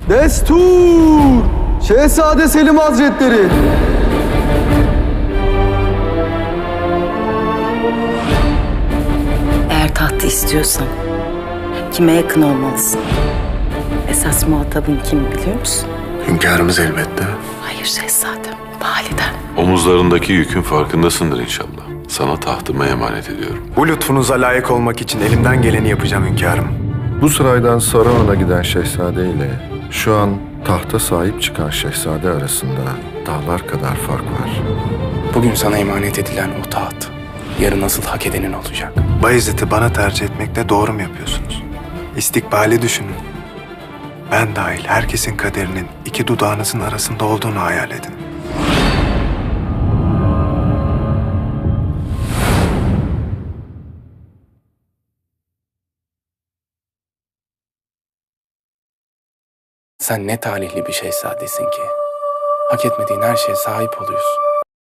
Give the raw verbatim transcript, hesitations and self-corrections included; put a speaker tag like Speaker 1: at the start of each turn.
Speaker 1: Destur! Şehzade Selim Hazretleri!
Speaker 2: Eğer tahtı istiyorsan kime yakın olmalısın? Esas muhatabın kim biliyor musun?
Speaker 3: Hünkârımız elbette.
Speaker 2: Hayır şehzadem, validen.
Speaker 4: Omuzlarındaki yükün farkındasındır inşallah. Sana tahtımı emanet ediyorum.
Speaker 3: Bu lütfunuza layık olmak için elimden geleni yapacağım hünkârım.
Speaker 5: Bu saraydan Saruhan'a giden şehzade ile şu an tahta sahip çıkan şehzade arasında dağlar kadar fark var.
Speaker 6: Bugün sana emanet edilen o taht, yarın asıl hak edenin olacak.
Speaker 3: Bayezid'i bana tercih etmekle doğru mu yapıyorsunuz? İstikbali düşünün. Ben dahil herkesin kaderinin iki dudağınızın arasında olduğunu hayal edin.
Speaker 6: Sen ne talihli bir şehzadesin ki. Hak etmediğin her şeye sahip oluyorsun.